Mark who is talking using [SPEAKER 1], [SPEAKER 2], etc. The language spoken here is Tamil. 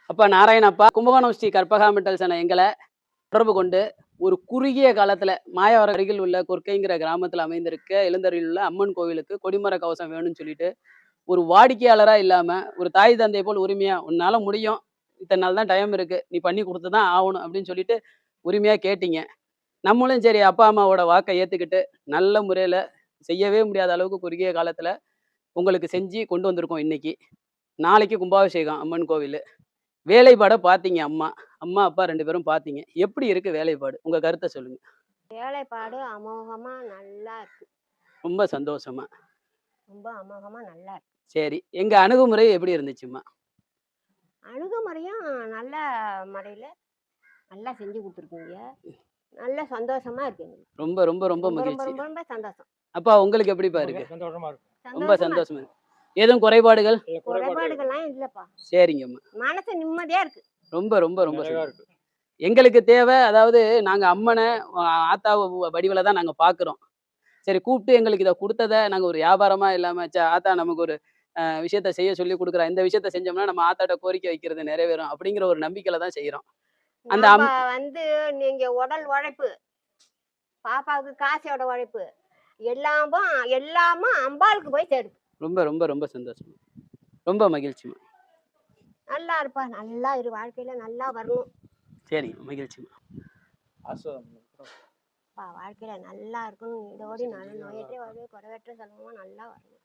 [SPEAKER 1] அப்பா நாராயணப்பா, கும்பகோணம் ஸ்ரீ கற்பகாமிட்டல் சன எங்களை தொடர்பு கொண்டு ஒரு குறுகிய காலத்துல மாயவரம் அருகில் உள்ள கொற்கைங்கிற கிராமத்துல அமைந்திருக்க எழுந்தருளில் உள்ள அம்மன் கோவிலுக்கு கொடிமர கவசம் வேணும்னு சொல்லிட்டு ஒரு வாடிக்கையாளரா இல்லாம ஒரு தாய் தந்தை போல் உரிமையா உன்னால முடியும், இத்தனை நாள் தான் டைம் இருக்கு, நீ பண்ணி கொடுத்துதான் ஆகணும் அப்படின்னு சொல்லிட்டு உரிமையா கேட்டீங்க. நம்மளும் சரி அப்பா அம்மாவோட வாக்கை ஏத்துக்கிட்டு நல்ல முறையில செய்யவே முடியாத அளவுக்கு குறுகிய காலத்துல உங்களுக்கு செஞ்சு கொண்டு வந்திருக்கோம் இன்னைக்கு. நாளைக்கு கும்பாபிஷேகம் அம்மன் கோவில். வேலைப்பாட பார்த்தீங்க அம்மா. அம்மா, அப்பா 2 பேரும் பார்த்தீங்க. எப்படி இருக்கு வேலைப்பாடு? உங்க கருத்த சொல்லுங்க.
[SPEAKER 2] வேலைப்பாடு அமோகமா நல்லா இருக்கு.
[SPEAKER 1] ரொம்ப சந்தோஷமா.
[SPEAKER 2] ரொம்ப அமோகமா நல்லா இருக்கு.
[SPEAKER 1] சரி. எங்க அணுகுமுறை எப்படி இருந்துச்சும்மா?
[SPEAKER 2] அணுகுமுறையும் நல்ல முறையில நல்லா செஞ்சு குடுத்துருக்கீங்க. நல்ல சந்தோஷமா இருக்கு எங்களுக்கு.
[SPEAKER 1] ரொம்ப ரொம்ப ரொம்ப
[SPEAKER 2] ரொம்ப ரொம்ப
[SPEAKER 1] மகிழ்ச்சி.
[SPEAKER 2] ரொம்ப ரொம்ப சந்தோஷம்.
[SPEAKER 1] அப்பா உங்களுக்கு எப்படிப்பா இருக்கு?
[SPEAKER 3] சந்தோஷமா இருக்கு.
[SPEAKER 1] ரொம்ப
[SPEAKER 2] சந்தோஷமா
[SPEAKER 1] சந்தோஷமா இருக்கு. எதுவும் குறைபாடுகள்?
[SPEAKER 2] குறைபாடுகள்லாம் இல்லப்பா.
[SPEAKER 1] சரிங்கம்மா.
[SPEAKER 2] மனசு நிம்மதியா இருக்கு.
[SPEAKER 1] ரொம்ப ரொம்ப ரொம்ப
[SPEAKER 3] நிறைவா
[SPEAKER 1] சந்தோஷம்.
[SPEAKER 3] இருக்கு.
[SPEAKER 1] எங்களுக்கு தேவை அதாவது நாங்க அம்மன ஆத்தாவ வடிவில தான் நாங்க பார்க்குறோம். சரி கூப்பிட்டு எங்களுக்கு இத குடுத்தத நாங்க ஒரு வியாபாரமா இல்லாம, ஆத்தா நமக்கு ஒரு விஷயத்த செய்ய சொல்லி குடுக்குறா. இந்த விஷயத்த செஞ்சோம்னா நம்ம ஆத்தாட்ட கோரிக்கை வைக்கிறது நிறைவேறும். அப்படிங்கிற ஒரு நம்பிக்கையில தான் செய்றோம். அந்த
[SPEAKER 2] நம்ம நீங்க உடல் உழைப்பு, பாப்பாவுக்கு காசோட உழைப்பு எல்லாமும் அம்பாளுக்கு போய் சேருது.
[SPEAKER 1] ரொம்ப ரொம்ப ரொம்ப சந்தோஷம். ரொம்ப மகிழ்ச்சிம்மா.
[SPEAKER 2] நல்லா இருப்பா. நல்லா இரு. வாழ்க்கையில நல்லா வரணும்.
[SPEAKER 1] சரிங்க. மகிழ்ச்சிம்மா.
[SPEAKER 2] வாழ்க்கையில நல்லா இருக்கணும். இதோட நல்ல நோயற்றே வாழ்வே குறைவற்ற செல்வமா நல்லா வரணும்.